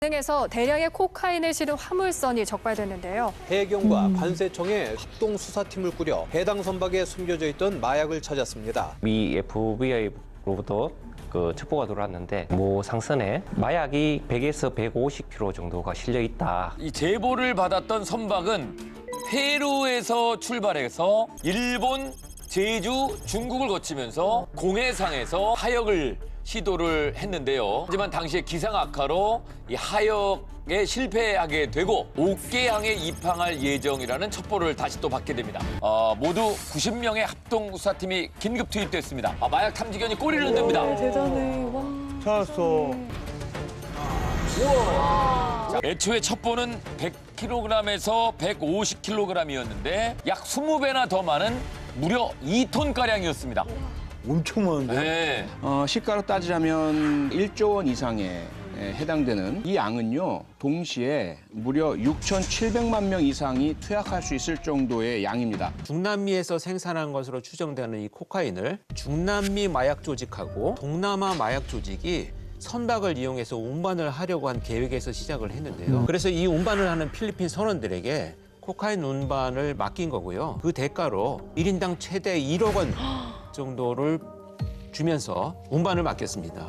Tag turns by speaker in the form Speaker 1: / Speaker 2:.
Speaker 1: 등에서 대량의 코카인을 실은 화물선이 적발됐는데요.
Speaker 2: 해경과 관세청의 합동 수사팀을 꾸려 해당 선박에 숨겨져 있던 마약을 찾았습니다.
Speaker 3: 미 FBI로부터 첩보가 들어왔는데 모 상선에 마약이 100에서 150kg 정도가 실려 있다.
Speaker 4: 이 제보를 받았던 선박은 페루에서 출발해서 일본, 제주, 중국을 거치면서 공해상에서 하역을 시도를 했는데요. 하지만 당시에 기상 악화로 이 하역에 실패하게 되고 옥계항에 입항할 예정이라는 첩보를 다시 또 받게 됩니다. 모두 90명의 합동 수사팀이 긴급 투입됐습니다. 마약 탐지견이 꼬리를 흔듭니다.
Speaker 1: 대단해. 와.
Speaker 5: 찾았어.
Speaker 4: 애초에 첩보는 100kg에서 150kg이었는데 약 20배나 더 많은 무려 2톤가량이었습니다.
Speaker 5: 엄청 많은데?
Speaker 4: 네.
Speaker 6: 시가로 따지자면 1조 원 이상에 해당되는 이 양은요, 동시에 무려 6,700만 명 이상이 투약할 수 있을 정도의 양입니다.
Speaker 7: 중남미에서 생산한 것으로 추정되는 이 코카인을 중남미 마약 조직하고 동남아 마약 조직이 선박을 이용해서 운반을 하려고 한 계획에서 시작을 했는데요. 그래서 이 운반을 하는 필리핀 선원들에게 코카인 운반을 맡긴 거고요. 그 대가로 1인당 최대 1억 원 정도를 주면서 운반을 맡겼습니다.